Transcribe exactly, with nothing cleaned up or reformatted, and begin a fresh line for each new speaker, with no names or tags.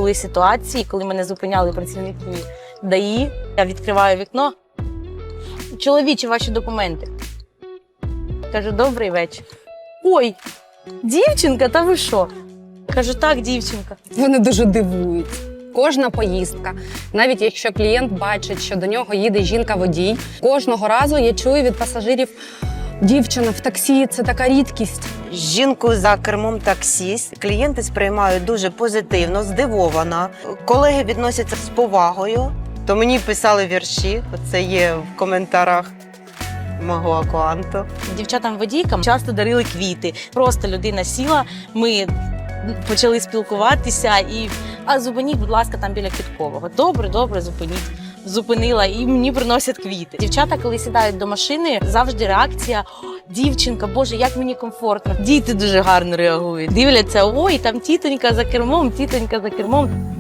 були ситуації, коли мене зупиняли працівники ДАІ. Я відкриваю вікно. Чоловічі, ваші документи. Кажу, добрий вечір. Ой, дівчинка, та ви що? Кажу, так, дівчинка.
Вони дуже дивують. Кожна поїздка, навіть якщо клієнт бачить, що до нього їде жінка-водій, кожного разу я чую від пасажирів: дівчина в таксі – це така рідкість.
Жінку за кермом таксі клієнти сприймають дуже позитивно, здивовано. Колеги відносяться з повагою. То мені писали вірші, це є в коментарях мого аккаунту.
Дівчатам-водійкам часто дарили квіти. Просто людина сіла, ми почали спілкуватися і а зупиніть, будь ласка, там біля Квіткового. Добре, добре, зупиніть. Зупинила і мені приносять квіти. Дівчата, коли сідають до машини, завжди реакція: дівчинка, боже, як мені комфортно. Діти дуже гарно реагують. Дивляться, ой, там тітонька за кермом, тітонька за кермом.